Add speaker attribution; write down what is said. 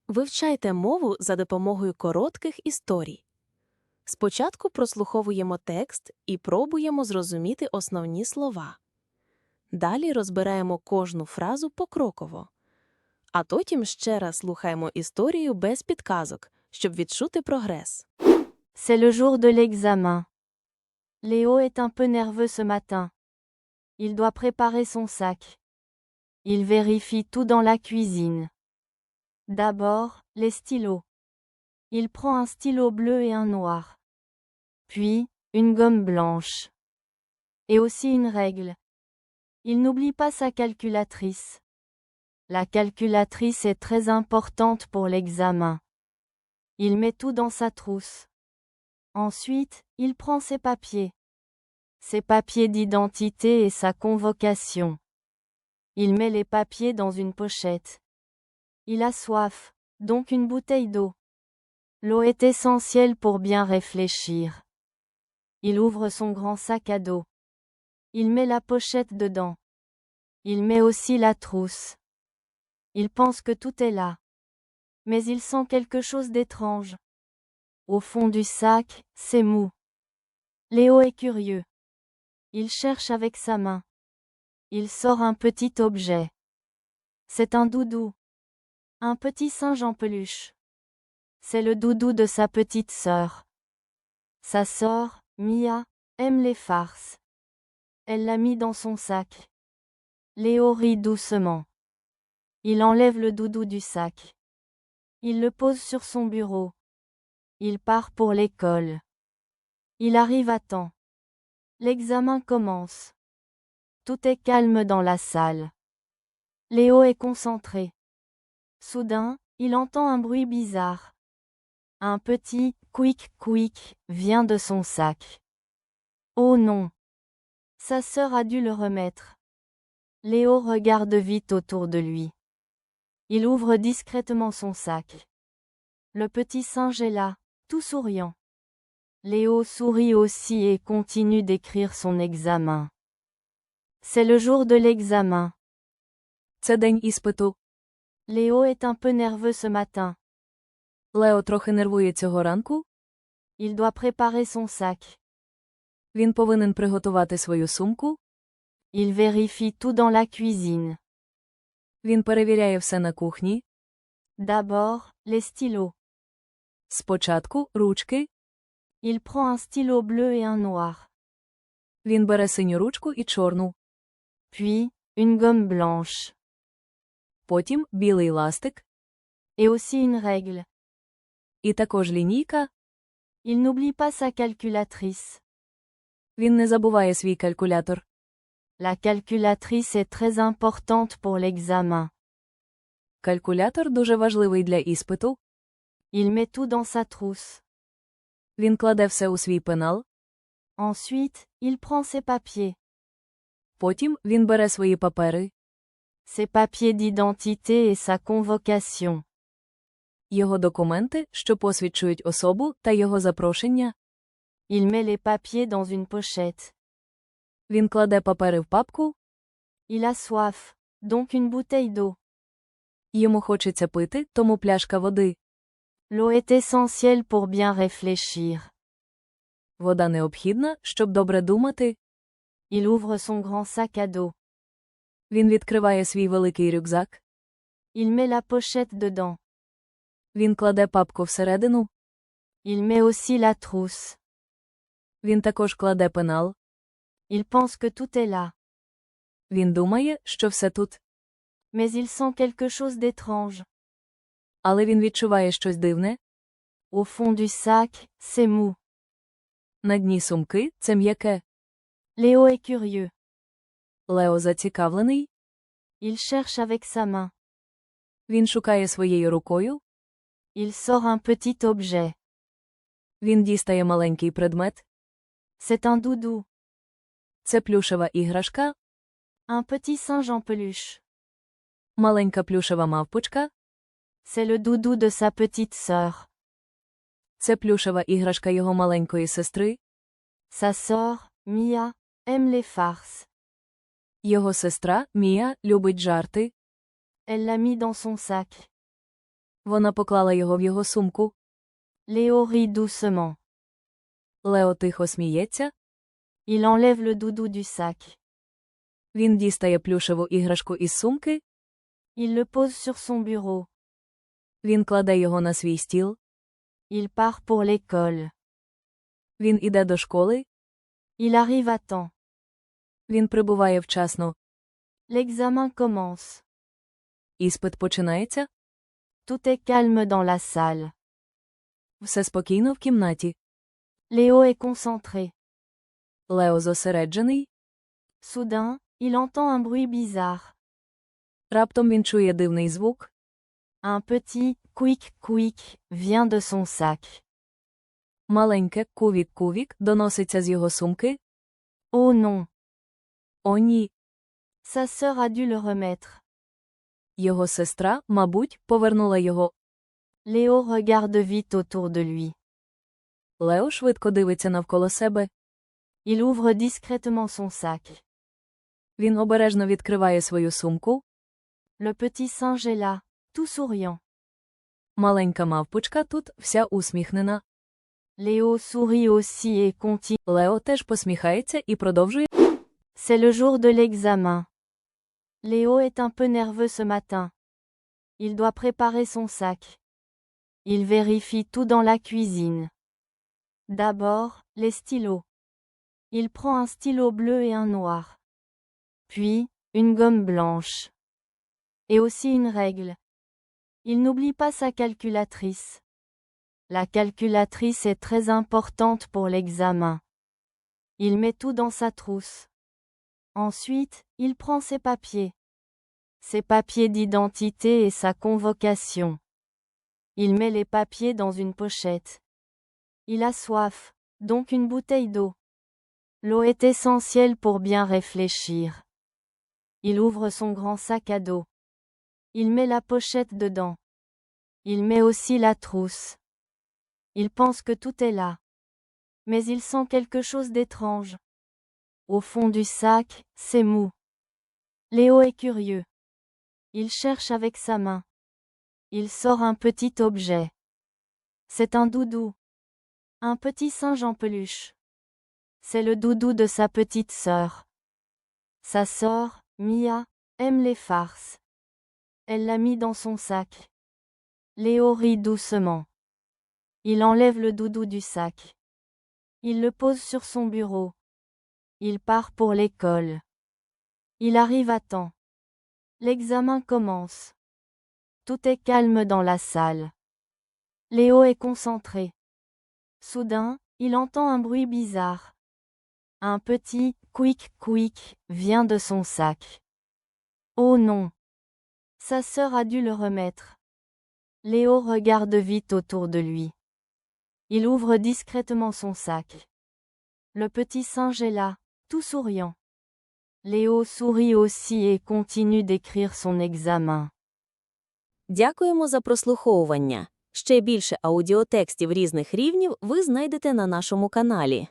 Speaker 1: Вивчайте мову за допомогою коротких історій. Спочатку прослуховуємо текст і пробуємо зрозуміти основні слова. Далі розбираємо кожну фразу покроково. А потім ще раз слухаємо історію без підказок, щоб відчути прогрес.
Speaker 2: C'est le jour de l'examen. Léo est un peu nerveux ce matin. Il doit préparer son sac. Il vérifie tout dans la cuisine. D'abord, les stylos. Il prend un stylo bleu et un noir. Puis, une gomme blanche. Et aussi une règle. Il n'oublie pas sa calculatrice. La calculatrice est très importante pour l'examen. Il met tout dans sa trousse. Ensuite, il prend ses papiers. Ses papiers d'identité et sa convocation. Il met les papiers dans une pochette. Il a soif, donc une bouteille d'eau. L'eau est essentielle pour bien réfléchir. Il ouvre son grand sac à dos. Il met la pochette dedans. Il met aussi la trousse. Il pense que tout est là. Mais il sent quelque chose d'étrange. Au fond du sac, c'est mou. Léo est curieux. Il cherche avec sa main. Il sort un petit objet. C'est un doudou. Un petit singe en peluche. C'est le doudou de sa petite sœur. Sa sœur, Mia, aime les farces. Elle l'a mis dans son sac. Léo rit doucement. Il enlève le doudou du sac. Il le pose sur son bureau. Il part pour l'école. Il arrive à temps. L'examen commence. Tout est calme dans la salle. Léo est concentré. Soudain, il entend un bruit bizarre. Un petit « quick quick » vient de son sac. Oh non! Sa sœur a dû le remettre. Léo regarde vite autour de lui. Il ouvre discrètement son sac. Le petit singe est là, tout souriant. Léo sourit aussi et continue d'écrire son examen. C'est le jour de l'examen.
Speaker 1: Це день іспиту.
Speaker 2: Léo est un peu nerveux ce matin.
Speaker 1: Лео трохи нервує цього ранку.
Speaker 2: Il doit préparer son sac.
Speaker 1: Він повинен приготувати свою сумку.
Speaker 2: Il vérifie tout dans la cuisine.
Speaker 1: Він перевіряє все на кухні.
Speaker 2: D'abord, les stylos.
Speaker 1: Спочатку ручки.
Speaker 2: Il prend un stylo bleu et un noir.
Speaker 1: Він бере синю ручку і чорну.
Speaker 2: Puis, une gomme blanche.
Speaker 1: Потім білий ластик.
Speaker 2: Et aussi une règle.
Speaker 1: І також лінійка.
Speaker 2: Il n'oublie pas sa calculatrice.
Speaker 1: Він не забуває свій калькулятор.
Speaker 2: La calculatrice est très importante pour l'examen.
Speaker 1: Калькулятор дуже важливий для іспиту.
Speaker 2: Il met tout dans sa trousse.
Speaker 1: Він кладе все у свій пенал.
Speaker 2: Ensuite, il prend ses papiers.
Speaker 1: Потім він бере свої папери.
Speaker 2: Ses papiers d'identité et sa convocation.
Speaker 1: Його документи, що посвідчують особу, та його запрошення.
Speaker 2: Il met les papiers dans une pochette.
Speaker 1: Він кладе папери в папку.
Speaker 2: Il a soif, donc une bouteille d'eau.
Speaker 1: Йому хочеться пити, тому пляшка води.
Speaker 2: L'eau est essentielle pour bien réfléchir.
Speaker 1: Вода необхідна, щоб добре думати.
Speaker 2: Il ouvre son grand sac à dos.
Speaker 1: Він відкриває свій великий рюкзак.
Speaker 2: Il met la pochette dedans.
Speaker 1: Він кладе папку всередину.
Speaker 2: Il met aussi la trousse.
Speaker 1: Він також кладе пенал.
Speaker 2: Il pense que tout est là.
Speaker 1: Він думає, що все тут.
Speaker 2: Mais il sent quelque chose d'étrange.
Speaker 1: Але він відчуває щось дивне.
Speaker 2: Au fond du sac, c'est mou.
Speaker 1: На дні сумки – це м'яке.
Speaker 2: Léo est curieux.
Speaker 1: Лео зацікавлений.
Speaker 2: Il cherche avec sa main.
Speaker 1: Він шукає своєю рукою.
Speaker 2: Il sort un petit objet.
Speaker 1: Він дістає маленький предмет.
Speaker 2: C'est un doudou.
Speaker 1: Це плюшева іграшка.
Speaker 2: Un petit singe en peluche.
Speaker 1: Маленька плюшева мавпочка.
Speaker 2: C'est le doudou de sa petite sœur.
Speaker 1: Це плюшева іграшка його маленької сестри.
Speaker 2: Sa sœur, Mia, aime les farces.
Speaker 1: Його сестра, Мія, любить жарти.
Speaker 2: Elle l'a mis dans son sac.
Speaker 1: Вона поклала його в його сумку.
Speaker 2: Léo rit doucement.
Speaker 1: Лео тихо сміється.
Speaker 2: Il enlève le doudou du sac.
Speaker 1: Він дістає плюшеву іграшку із сумки.
Speaker 2: Il le pose sur son bureau.
Speaker 1: Він кладе його на свій стіл.
Speaker 2: Il part pour l'école.
Speaker 1: Він іде до школи.
Speaker 2: Il arrive à temps.
Speaker 1: Він прибуває вчасно.
Speaker 2: L'examen commence.
Speaker 1: Іспит починається.
Speaker 2: Tout est calme dans la salle.
Speaker 1: Все спокійно в кімнаті.
Speaker 2: Léo est concentré.
Speaker 1: Лео зосереджений.
Speaker 2: Soudain, il entend un bruit bizarre.
Speaker 1: Раптом він чує дивний звук.
Speaker 2: Un petit quick vient de son sac.
Speaker 1: Маленьке кувік-кувік доноситься з його сумки.
Speaker 2: Oh non,
Speaker 1: О ні.
Speaker 2: sa sœur a dû le remettre.
Speaker 1: Його сестра, мабуть, повернула його.
Speaker 2: Léo regarde vite autour de lui.
Speaker 1: Лео швидко дивиться навколо себе.
Speaker 2: Il ouvre discrètement son sac.
Speaker 1: Він обережно відкриває свою сумку.
Speaker 2: Le petit singe est là, tout souriant.
Speaker 1: Маленька мавпочка тут, вся усміхнена.
Speaker 2: Léo sourit aussi et continue.
Speaker 1: Лео теж посміхається і продовжує.
Speaker 2: C'est le jour de l'examen. Léo est un peu nerveux ce matin. Il doit préparer son sac. Il vérifie tout dans la cuisine. D'abord, les stylos. Il prend un stylo bleu et un noir. Puis, une gomme blanche. Et aussi une règle. Il n'oublie pas sa calculatrice. La calculatrice est très importante pour l'examen. Il met tout dans sa trousse. Ensuite, il prend ses papiers. Ses papiers d'identité et sa convocation. Il met les papiers dans une pochette. Il a soif, donc une bouteille d'eau. L'eau est essentielle pour bien réfléchir. Il ouvre son grand sac à dos. Il met la pochette dedans. Il met aussi la trousse. Il pense que tout est là. Mais il sent quelque chose d'étrange. Au fond du sac, c'est mou. Léo est curieux. Il cherche avec sa main. Il sort un petit objet. C'est un doudou. Un petit singe en peluche. C'est le doudou de sa petite sœur. Sa sœur, Mia, aime les farces. Elle l'a mis dans son sac. Léo rit doucement. Il enlève le doudou du sac. Il le pose sur son bureau. Il part pour l'école. Il arrive à temps. L'examen commence. Tout est calme dans la salle. Léo est concentré. Soudain, il entend un bruit bizarre. Un petit quick vient de son sac. Oh non! Sa sœur a dû le remettre. Léo regarde vite autour de lui. Il ouvre discrètement son sac. Le petit singe est là, tout souriant. Léo sourit aussi et continue d'écrire son examen.
Speaker 1: Дякуємо за прослуховування. Ще більше аудіотекстів різних рівнів ви знайдете на нашому каналі.